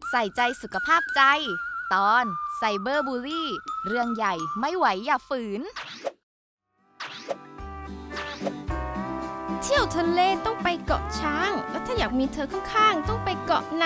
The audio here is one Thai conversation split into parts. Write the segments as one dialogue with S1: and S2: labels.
S1: ใส่ใจสุขภาพใจ ตอนไซเบอร์บูลลี่ เรื่องใหญ่ไม่ไหวอย่าฝืน
S2: เที่ยวทะเลต้องไปเกาะช้าง แล้วถ้าอยากมีเธอข้างๆต้องไปเกาะไหน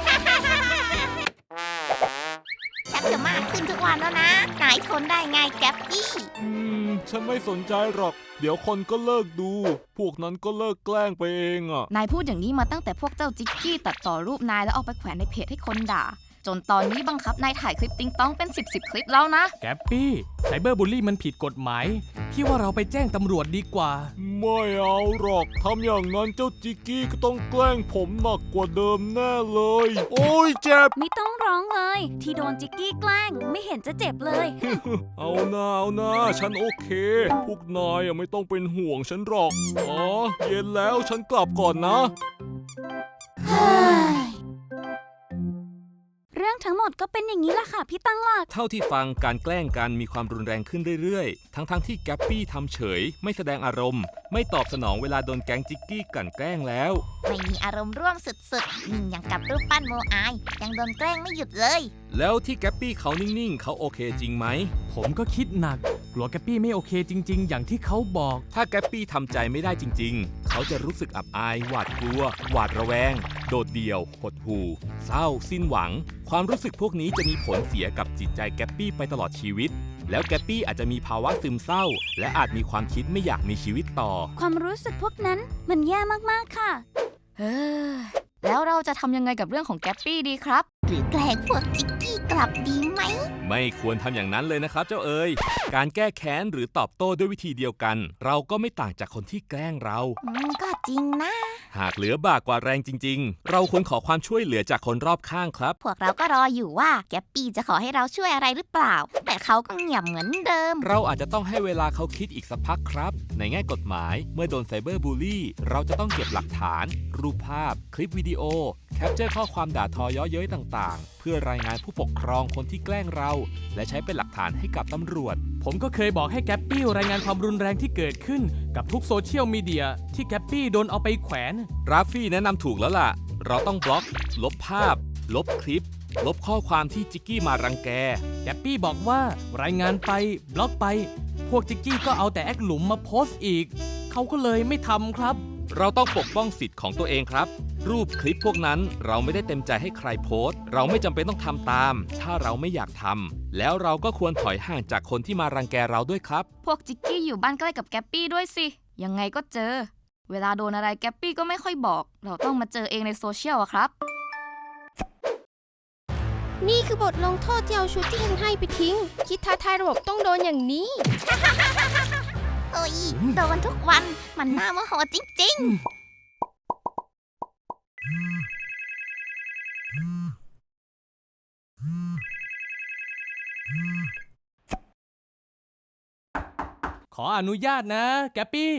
S3: ชักจะมากขึ้นทุกวันแล้วนะนายทนได้ไงแก๊ปปี้
S4: ฉันไม่สนใจหรอก เดี๋ยวคนก็เลิกดู พวกนั้นก็เลิกแกล้งไปเองอ่ะ
S1: นายพูดอย่างนี้มาตั้งแต่พวกเจ้าจิกกี้ตัดต่อรูปนายแล้วเอาไปแขวนในเพจให้คนด่า จนตอนนี้บังคับนายถ่ายคลิปติ๊งต้องเป็น10คลิปแล้วนะ
S5: แกปปี้ไซเบอร์บูลลี่มันผิดกฎหมายพี่ว่าเราไปแจ้งตำรวจดีกว่า
S4: ไม่เอาหรอก ทำอย่างนั้นเจ้าจิกกี้ก็ต้องแกล้งผมหนักกว่าเดิมแน่เลย โอ้ยเจ็บ
S6: ไม่ต้องร้องเลย ที่โดนจิกกี้แกล้งไม่เห็นจะเจ็บเลย
S4: เอาหน้าฉันโอเค พวกนายไม่ต้องเป็นห่วงฉันหรอก อ๋อ เย็นแล้วฉันกลับก่อนนะ
S6: เรื่องทั้งหมดก็เป็นอย่างนี้แหละค่ะพี่ตั้งหลัก
S7: เท่าที่ฟังการแกล้งกันมีความรุนแรงขึ้นเรื่อยๆ ทั้งที่แกปปี้ทำเฉยไม่แสดงอารมณ์ ไม่ตอบสนองเวลาโดนแก๊งจิกกี้กลั่นแกล้งแล้ว
S3: ไม่มีอารมณ์ร่วมสุดๆนิ่งอย่างกับรูปปั้นโมอายยังโดนแกล้งไม่หยุดเลย
S7: แล้วที่แกปปี้เขานิ่งๆเขาโอเคจริงไหม
S5: ผมก็คิดหนักกลัวแกปปี้ไม่โอเคจริงๆ อย่างที่เขาบอก
S7: ถ้าแกปปี้ทำใจไม่ได้จริงๆ เขาจะรู้สึกอับอายหวาดกลัว หวาดระแวง โดดเดี่ยวหดหู่เศร้าสิ้นหวัง ความรู้สึกพวกนี้จะมีผลเสียกับจิตใจแกปปี้ไปตลอดชีวิต แล้วแกปปี้อาจจะมีภาวะซึมเศร้า และอาจมีความคิดไม่อยากมีชีวิตต่อ
S6: ความรู้สึกพวกนั้นมันแย่มากๆค่ะ
S1: เฮ้ยแล้วเราจะทำยังไงกับเรื่องของแก๊ปปี้ดีครับ
S3: หรือแกล้งพวกจิกกี้กลับดีไหม
S7: ไม่ควรทำอย่างนั้นเลยนะครับเจ้าเอ๋ย การแก้แค้นหรือตอบโต้ด้วยวิธีเดียวกัน เราก็ไม่ต่างจากคนที่แกล้งเรา
S3: ก็จริงนะ
S7: หากเหลือบากกว่าแรงจริงๆ เราควรขอความช่วยเหลือจากคนรอบข้างครับ
S3: พวกเราก็รออยู่ว่าแก๊ปปี้จะขอให้เราช่วยอะไรหรือเปล่า แต่เขาก็เงียบเหมือนเดิม
S7: เราอาจจะต้องให้เวลาเขาคิดอีกสักพักครับ ในแง่กฎหมายเมื่อโดนไซเบอร์บูลลี่ เราจะต้องเก็บหลักฐาน รูปภาพ คลิปวิดีโอ แคปเจอร์ข้อความด่าทอเย้อเย้ยต่างๆ เพื่อรายงานผู้ปกครองคนที่แกล้งเรา และใช้เป็นหลักฐานให้กับตำรวจ
S5: ผมก็เคยบอกให้แกปปี้รายงานความรุนแรงที่เกิดขึ้นกับทุกโซเชียลมีเดียที่แกปปี้โดนเอาไปแขวน
S7: ราฟฟี่แนะนำถูกแล้วล่ะ เราต้องบล็อก ลบภาพ ลบคลิป ลบข้อความที่จิกกี้มารังแก
S5: แกปปี้บอกว่ารายงานไปบล็อกไป พวกจิกกี้ก็เอาแต่แอคหลุมมาโพสต์อีก เขาก็เลยไม่ทำครับ
S7: เราต้องปกป้องสิทธิ์ของตัวเองครับ รูปคลิปพวกนั้นเราไม่ได้เต็มใจให้ใครโพสต์ เราไม่จำเป็นต้องทำตาม ถ้าเราไม่อยากทำ แล้วเราก็ควรถอยห่างจากคนที่มารังแกเราด้วยครับ
S1: พวกจิกกี้อยู่บ้านใกล้กับแก๊ปปี้ด้วยสิ ยังไงก็เจอ เวลาโดนอะไรแก๊ปปี้ก็ไม่ค่อยบอก เราต้องมาเจอเองในโซเชียลอะครับ
S2: นี่คือบทลงโทษที่เอาชุดที่ฉันให้ไปทิ้ง คิดท้าทายระบบต้องโดนอย่างนี้
S3: โอ้ยโดนทุกวันมันน่าโมโหจริงๆ
S5: ขออนุญาตนะแกปปี้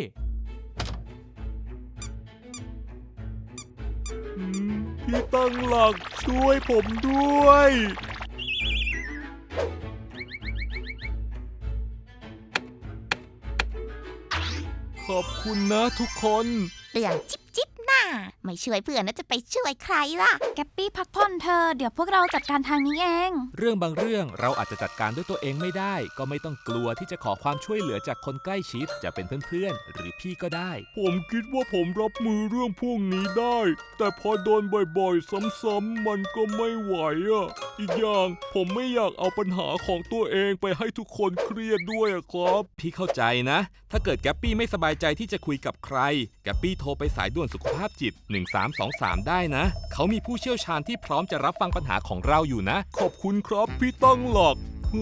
S4: พี่ตั้งหลักช่วยผมด้วย ขอบคุณนะทุกคน
S3: เรื่องจิ๊บหน้าไม่ช่วยเพื่อนแล้วจะไปช่วยใครล่ะ
S6: แกปปี้พักผ่อนเธอ เดี๋ยวพวกเราจัดการทางนี้เอง
S7: เรื่องบางเรื่องเราอาจจะจัดการด้วยตัวเองไม่ได้ ก็ไม่ต้องกลัวที่จะขอความช่วยเหลือจากคนใกล้ชิด จะเป็นเพื่อนๆ หรือพี่ก็ได้
S4: ผมคิดว่าผมรับมือเรื่องพวกนี้ได้ แต่พอโดนบ่อยๆ ซ้ำๆมันก็ไม่ไหวอ่ะ อีกอย่างผมไม่อยากเอาปัญหาของตัวเองไปให้ทุกคนเครียดด้วยอะครับ
S7: พี่เข้าใจนะ ถ้าเกิดแกปปี้ไม่สบายใจที่จะคุยกับใคร แกปปี้โทรไปสายด่วนสุขภาพจิต 1323 ได้นะ เขามีผู้เชี่ยวชาญที่พร้อมจะรับฟังปัญหาของเราอยู่นะ
S4: ขอบคุณครับพี่ตั้งหลัก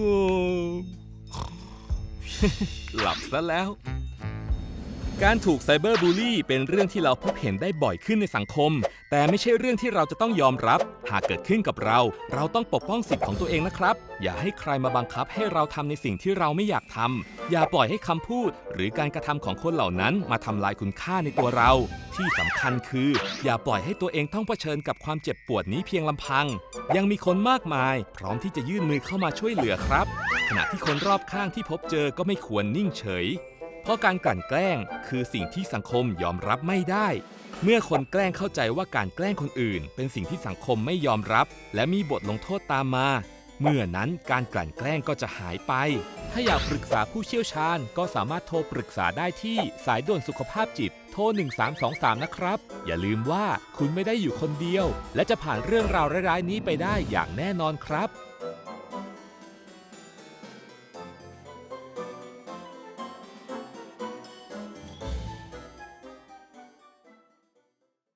S7: หลับซะแล้ว การถูกไซเบอร์บูลลี่เป็นเรื่องที่เราพบเห็นได้บ่อยขึ้นในสังคม แต่ไม่ใช่เรื่องที่เราจะต้องยอมรับ หากเกิดขึ้นกับเรา เราต้องปกป้องสิทธิ์ของตัวเองนะครับ อย่าให้ใครมาบังคับให้เราทำในสิ่งที่เราไม่อยากทำ อย่าปล่อยให้คำพูด หรือการกระทำของคนเหล่านั้นมาทำลายคุณค่าในตัวเรา ที่สำคัญคือ อย่าปล่อยให้ตัวเองต้องเผชิญกับความเจ็บปวดนี้เพียงลำพัง ยังมีคนมากมาย พร้อมที่จะยื่นมือเข้ามาช่วยเหลือครับ ขณะที่คนรอบข้างที่พบเจอก็ไม่ควรนิ่งเฉย เพราะการกลั่นแกล้งคือสิ่งที่สังคมยอมรับไม่ได้ ใเมื่อคนแกล้งเข้าใจว่าการแกล้งคนอื่นเป็นสิ่งที่สังคมไม่ยอมรับ และมีบทลงโทษตามมา เมื่อนั้นการกลั่นแกล้งก็จะหายไป ถ้าอยากปรึกษาผู้เชี่ยวชาญก็สามารถโทรปรึกษาได้ที่สายด่วนสุขภาพจิตโทร 1323 นะครับ อย่าลืมว่าคุณไม่ได้อยู่คนเดียว และจะผ่านเรื่องราวร้ายๆนี้ไปได้อย่างแน่นอนครับ